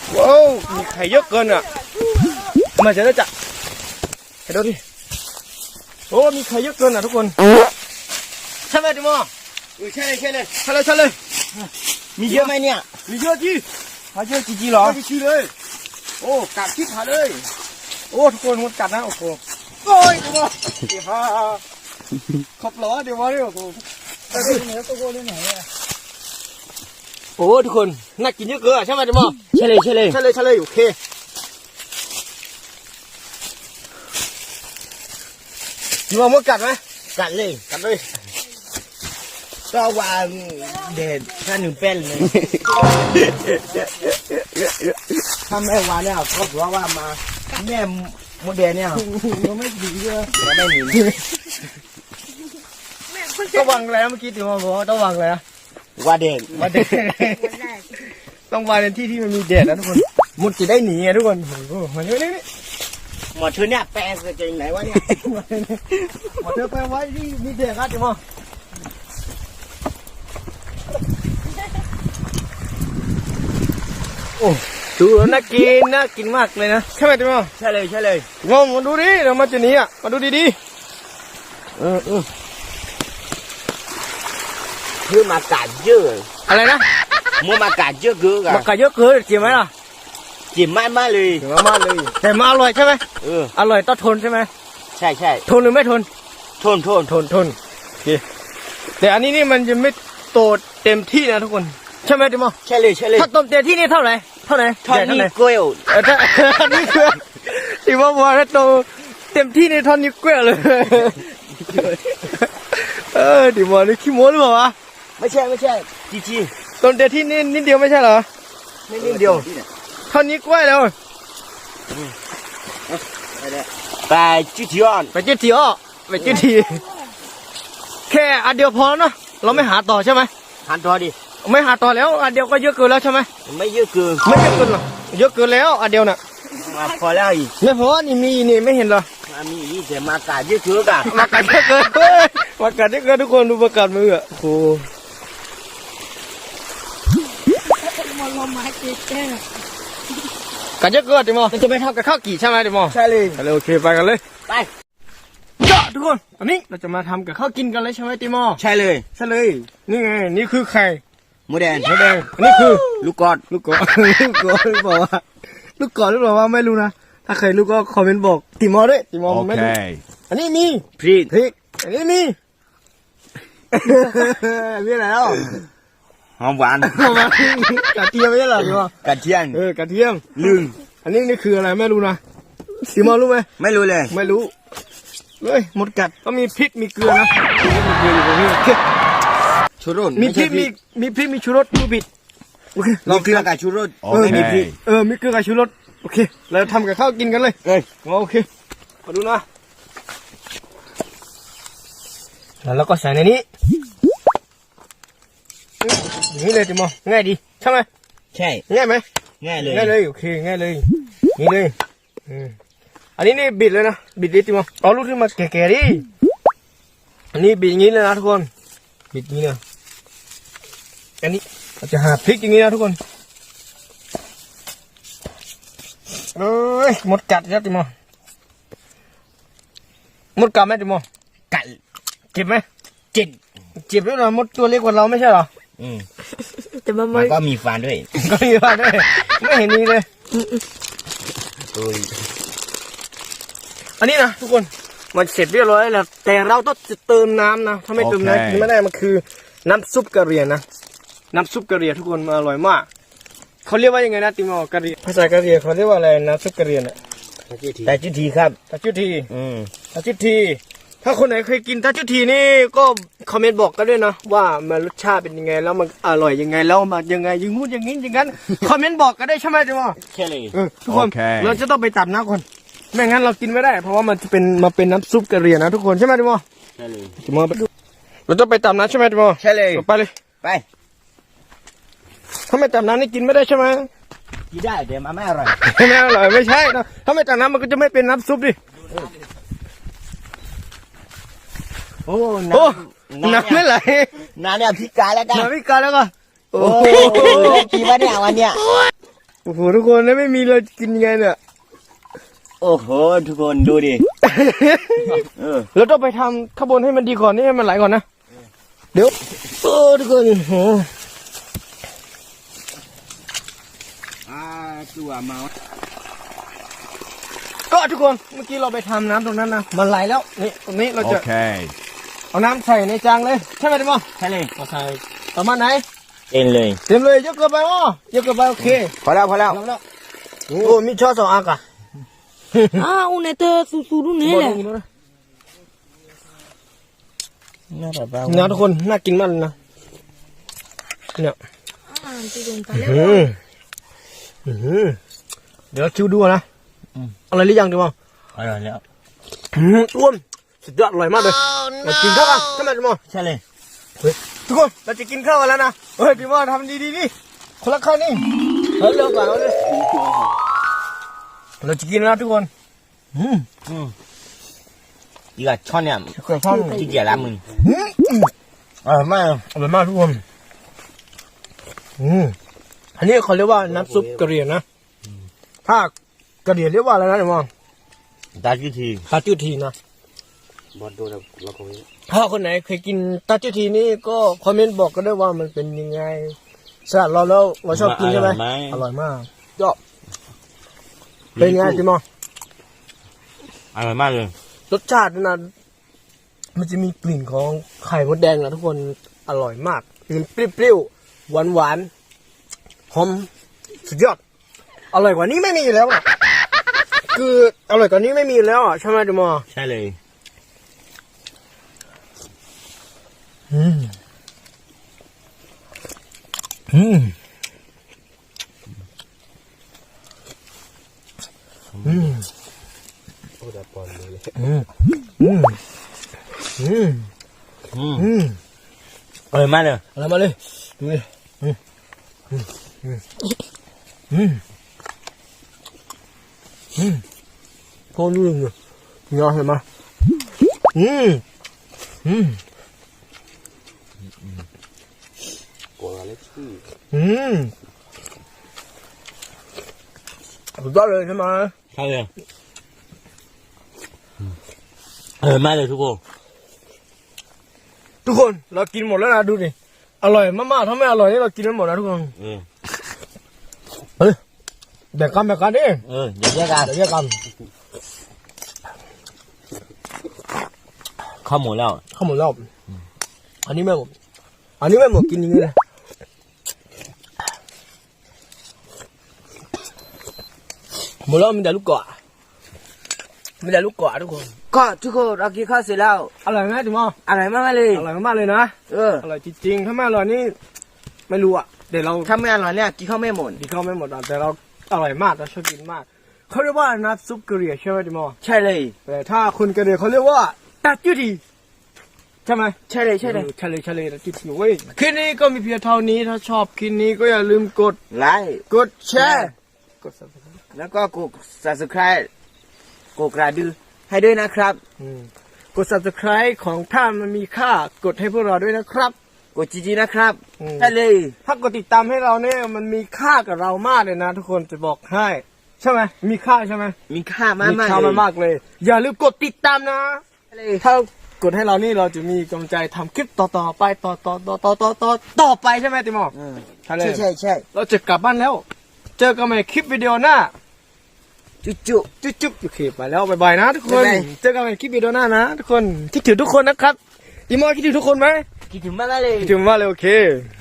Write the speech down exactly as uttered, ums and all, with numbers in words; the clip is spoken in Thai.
ว้าวมีไข่เยอะเกินอ่ะมาจะได้จับไปดูดิโอ้มีไข่เยอะเกินอ่ะทุกคนใช่ไหมดิโมใช่เลยใช่เลยใช่เลยใช่เลยมีเยอะไหมเนี่ยมีเยอะจีหาเยอะจีจีหรอจีจีเลยโอ้กัดที่ขาเลยโอ้ทุกคนมันกัดนะโอ้โหโอ้ยดิโมเดี๋ยวพาขอบล้อเดี๋ยวมาเดี๋ยวโอ้โหแต่ที่ไหนตัวโก้ที่ไหนอ่ะโอ้ทุกคนน่ากินเยอะเกินใช่ไหมดิโมใช่เลยใช่เลยใช่เลยใช่เลยโอเคดิโมมันกัดไหมกัดเลยกัดเลยก็วางเด็ดแค่หนึ่งเป็นเลยถ้าแม่วางเนี่ยก็ถือว่ามาแม่โมเดลเนี่ยมันไม่ดีเลยไม่หนีต้องวางแล้วเมื่อกี้ถึงมาบอกว่าต้องวางแล้วว่าเด็ดว่าเด็ดต้องวางในที่ที่มันมีเด็ดนะทุกคนมุดจะได้หนีไงทุกคนโอ้โหมันนี่นี่หมดเธอเนี่ยแปลงจะยังไหนวะเนี่ยหมดเธอแปลงไว้ที่มีเด็ดครับจิ๋มโอ้ดูแล้วน่ากินน่ากินมากเลยนะใช่ไหมจิ๋มใช่เลยใช่เลยงงมาดูดิเรามาจะหนีอ่ะมาดูดีๆเออเออคือมากัดเยอะอะไรนะมัวมากัดเยอะเกินมากัดเยอะเกินจิ๋มไหมล่ะจิ๋มมากมากเลยจิ๋มมากเลยแต่มาอร่อยใช่ไหมเอออร่อยต้องทนใช่ไหมใช่ใช่ทนหรือไม่ทนทนทนทนทนโอเคแต่อันนี้นี่มันยังไม่โตเต็มที่นะทุกคนใช่ไหมจิ๋มใช่เลยใช่เลยถ้าโตเต็มที่นี่เท่าไหร่เท่าไหร่ท่อนนี้เกลียวเออถ้าอันนี้คือจิ๋มบอกว่าถ้าโตเต็มที่นี่ท่อนนี้เกลียวเลยเออจิ๋มบอกนี่ขี้โม้หรือเปล่าวะไม่ใช่ไม่ใช่จีจีตอนเดียวที่นี่นิดเดียวไม่ใช่เหรอไม่นิดเดียวเท่านี้กล้วยแล้วไปจุดที่อ่อนไปจุดที่อ่อนไปจุดที่แค่อันเดียวพอเนาะเราไม่หาต่อใช่ไหมหาต่อดิไม่หาต่อแล้วอันเดียวก็เยอะเกินแล้วใช่ไหมไม่เยอะเกินไม่เยอะเกินหรอเยอะเกินแล้วอันเดียวน่ะพอแล้วอีกไม่พอนี่มีนี่ไม่เห็นเหรอมีอีกแต่มากาดเยอะเกินกันมากาดเยอะเกินมากาดเยอะเกินทุกคนดูมากาดมืออ่ะโอ้กันเยอะเกินดิโมมันจะไม่เท่ากับข้าวกี่ใช่ไหมดิโมใช่เลยไปเลยโอเคไปกันเลยไปเจาะทุกคนอันนี้เราจะมาทำกับข้าวกินกันเลยใช่ไหมดิโมใช่เลยใช่เลยนี่ไงนี่คือไข่หมูแดงหมูแดงอันนี้คือลูกกอดลูกกอดลูกกอดหรือเปล่าว่าลูกกอดหรือเปล่าว่าไม่รู้นะถ้าใครรู้ก็คอมเมนต์บอกดิโมด้วยดิโมไม่รู้อันนี้มีพริกพริกอันนี้มีมีอะไรแล้วหอมหวานหอมหวานกระเทียมไม่ใช่หรอพี่ว่ากระเทียมเออกระเทียมลืมอันนี้นี่คืออะไรไม่รู้นะสีมอรู้ไหมไม่รู้เลยไม่รู้เลยหมดกัดก็มีพริกมีเกลือนะมีเกลืออยู่ตรงนี้ชูรสมีพริกมีมีพริกมีชูรสผู้ผิดโอเคมีเกลือกับชูรสเออมีพริกเออมีเกลือกับชูรสโอเคเราทำกับข้าวกินกันเลยเอ้ยโอเคมาดูนะแล้วก็ใส่ในนี้อย่างนี้เลยจิ๋มง่ายดีใช่ไหมใช่ง่ายไหมง่ายเลยง่ายเลยโอเคง่ายเลยนี่เลยอันนี้นี่บิดเลยนะบิดดิจิ๋มเอาลูกที่มาแก่ๆดิอันนี้บิดอย่างนี้เลยนะทุกคนบิดอย่างนี้นะอันนี้เราจะหาพริกอย่างนี้นะทุกคนเอ้ยหมดกัดแล้วจิ๋มหมดกัดไหมจิ๋มกัดเจ็บไหมเจ็บเจ็บแล้วเหรอมดตัวเล็กกว่าเราไม่ใช่เหรออืมแต่มันก็มีฟันด้วยก็มีฟันด้วยไม่เห็นนี่เลยโอ้ยอันนี้นะทุกคนมันเสร็จเรียบร้อยแล้วแต่เราต้องเติมน้ำนะถ้าไม่เติมน้ำกินไม่ได้มันคือน้ำซุปกะเหรี่ยงนะน้ำซุปกะเหรี่ยงทุกคนมันอร่อยมากเขาเรียกว่ายังไงนะติมอกะเหรี่ยงภาษากะเหรี่ยงเขาเรียกว่าอะไรน้ำซุปกะเหรี่ยงอ่ะตาจุทีครับตาจุทีอืมตาจุทีถ้าคนไหนเคยกินตาจุทีนี่ก็คอมเมนต์บอกกันด้วยนะว่ามันรสชาติเป็นยังไงแล้วมันอร่อยยังไงแล้วมันยังไงยังงู้นอย่างนี้อย่างนั้นคอมเมนต์บอกกันได้ใช่ไหมจิ๋มใช่เลยทุกคนเราจะต้องไปตัดน้ำก่อนไม่งั้นเรากินไม่ได้เพราะว่ามันจะเป็นมาเป็นน้ำซุปกะเหรี่ยงนะทุกคนใช่ไหมจิ๋มใช่เลยจิ๋มไปดูเราจะไปตัดน้ำใช่ไหมจิ๋มใช่เลยไปเลยไปถ้าไม่ตัดน้ำนี่กินไม่ได้ใช่ไหมกินได้เดี๋ยวมันไม่อร่อยไม่อร่อยไม่ใช่นะถ้าไม่ตัดน้ำมันก็จะไม่เป็นน้ำซุปดิโอ้น้ำไม่ไหลน้ำเนี่ยพิการแล้วกันน้ำพิการแล้วก็โอ้กี่วันเนี่ยวันเนี้ยโอ้โหทุกคนแล้วไม่มีเรากินยังไงเนี่ยโอ้โหทุกคนดูดิเออเราต้องไปทำข้างบนให้มันดีก่อนนี่ให้มันไหลก่อนนะเดี๋ยวโอ้ทุกคนโอ้อ่าตัวเมาก็ทุกคนเมื่อกี้เราไปทำน้ำตรงนั้นนะมันไหลแล้วนี่ตรงนี้เราจะเอาน้ำใส่ในจานเลยใช่ไหมดิมอใช่เลยเอาใส่ประมาณไหนเต็มเลยเต็มเลยเยอะเกินไปอ๋อเยอะเกินไปโอเคพอแล้วพอแล้วโอ้มีช้อนสองอันอ่ะอ้าวเนี่ยเธอสูๆตรงนี้แหละน่าแบบว่านะทุกคนน่ากินมากเลยนะเนี่ยอืมอืมเดี๋ยวชิวดูนะอะไรหรือยังดีมั้งอร่อยแล้วอ้วนสุดยอดอร่อยมากเลยเรากินข้าวกันใช่ไหมดีมั้งใช่เลยทุกคนเราจะกินข้าวกันแล้วนะเฮ้ยดีมั้งทำดีดีดิคนละข้าวนี่เฮ้ยเร็วกว่าเราเลยเราจะกินแล้วทุกคนอืมอืมอีกช้อนเนี่ยที่เกี่ยแล้วมึงอร่อยมากอร่อยมากทุกคนอืมอันนี้เขาเรียกว่าน้ำซุปกะเหรี่ยงนะถ้ากะเหรี่ยงเรียกว่าอะไรนะเดี๋ยวมองตาจิ้วทีตาจิ้วทีนะบอลดูแล้วเราคงถ้าคนไหนเคยกินตาจิ้วทีนี่ก็คอมเมนต์บอกกันด้วยว่ามันเป็นยังไงสำหรับเราแล้วเราชอบกินใช่ไหมอร่อยมากยอดเป็นไงจิมออร่อยมากเลยรสชาตินะมันจะมีกลิ่นของไข่มดแดงนะทุกคนอร่อยมากมันเปรี้ยวๆหวานๆหอมสุดยอดอร่อยกว่านี้ไม่มีแล้วอ่ะคืออร่อยกว่านี้ไม่มีแล้วอ่ะใช่ไหมจิมอใช่เลยอืมอืมอืมโอ้ดาปอนเลยอืมอืมอืมอืมอืมอร่อยมากเลยอร่อยมากเลยดูดิอืมอืมอืมอืมอืมพอรู้เรื่องเลยงอเห็นไหมอืมอืมอืมสุดยอดเลยใช่ไหมใช่เลยเออมาเลยทุกคนทุกคนเรากินหมดแล้วนะดูดิอร่อยมากๆถ้าไม่อร่อยนี่เรากินไม่หมดนะทุกคนเออเฮ้ยแบ่งกันแบ่งกันดิเออเดี๋ยวแยกกันเดี๋ยวแยกกันข้าวหมดแล้วข้าวหมดแล้วอันนี้ไม่หมดอันนี้ไม่หมดกินอย่างนี้เลยหมดแล้วมีแต่ลูกเกาะมีแต่ลูกเกาะทุกคนก็ทุกคนเรากินข้าวเสร็จแล้วอร่อยไหมจุ๋มอร่อยมากเลยอร่อยมากเลยนะเอออร่อยจริงๆถ้าไม่อร่อยนี่ไม่รู้อ่ะเดี๋ยวเราถ้าไม่อร่อยเนี่ยกินข้าวไม่หมดกินข้าวไม่หมดแต่เราอร่อยมากเราชอบกินมากเขาเรียกว่าน้ำซุปกะเหรี่ยงใช่ไหมจุ๋มใช่เลยแต่ถ้าคนกะเหรี่ยงเขาเรียกว่าตาจิ้วทีใช่ไหมใช่เลยใช่เลยใช่เลยใช่เลยตาจิ้วทีเว้ยคลิปนี้ก็มีเพียงเท่านี้ถ้าชอบคลิปนี้ก็อย่าลืมกดไลค์กดแชร์กด แล้วก็กด Subscribe กดกระดิ่งให้ด้วยนะครับกด Subscribe ของท่านมันมีค่ากดให้พวกเราด้วยนะครับกดจีๆนะครับใช่เลยถ้ากดติดตามให้เราเนี่ยมันมีค่ากับเรามากเลยนะทุกคนจะบอกให้ใช่ไหมมีค่าใช่ไหมมีค่ามากมีค่ามากเลยอย่าลืมกดติดตามนะถ้ากดให้เรานี่เราจะมีกำลังใจทำคลิปต่อๆไปต่อต่อต่อต่อต่อต่อต่อไปใช่ไหมติมอใช่ใช่ใช่เราจะกลับบ้านแล้วเจอกันใหม่คลิปวิดีโอหน้าจุ๊บจุ๊บจุ๊บจุ๊บโอเคไปแล้วบายๆนะทุกคนเจอกันใหม่คลิปวิดีโอหน้านะทุกคนคิดถึงทุกคนนะครับติมอคิดถึงทุกคนไหมคิดถึงมากเลยคิดถึงมากเลยโอเค